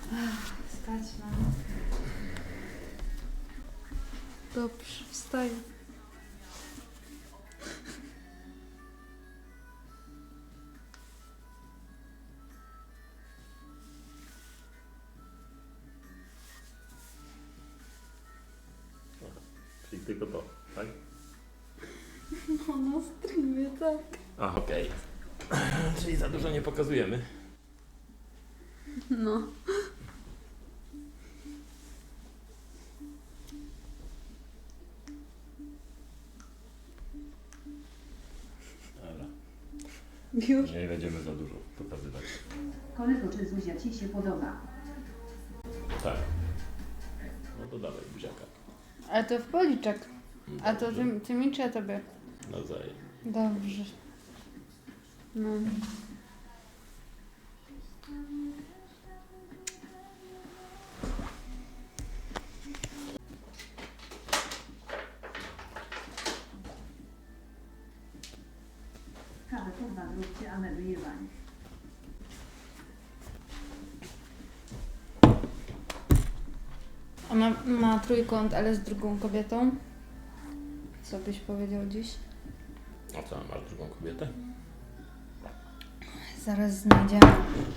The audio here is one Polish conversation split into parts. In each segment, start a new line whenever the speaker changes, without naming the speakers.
Wstać mam. Dobrze, wstaję.
Czyli tylko to, tak?
No na streamie, tak.
A, okej. Czyli za dużo nie pokazujemy.
No.
Dobra.
Już?
Nie będziemy za dużo pokazywać.
Kolego, czy Zuzia Ci się podoba?
Tak. No to dawaj buziaka.
Ale to w policzek. A to
Dobrze.
ty mi czy ja tobie?
Nawzajem.
Dobrze. No.
Kawę kurwa zróbcie, a my wyjebani.
Ona ma trójkąt, ale z drugą kobietą. Co byś powiedział dziś?
A co, masz drugą kobietę?
Zaraz znajdziemy.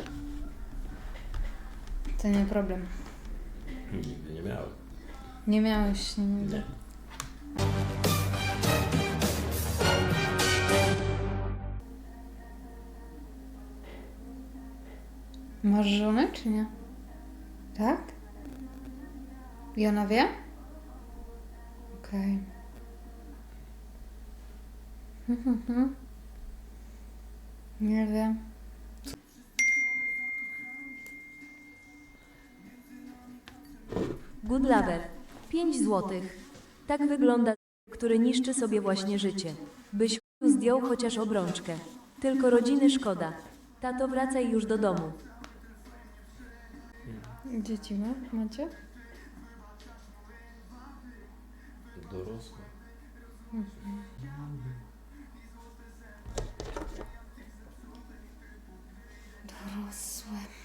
To nie problem.
Nigdy nie miałem.
Nie miałeś nigdy.
Nie.
Masz żonę, czy nie? Tak? I ona wie? Okej. Nie wiem.
Good Lover. 5 złotych. Tak wygląda, który niszczy sobie właśnie życie. Byś zdjął chociaż obrączkę. Tylko rodziny szkoda. Tato, wracaj już do domu.
Dzieci macie?
Dorosła.
Dorosłe.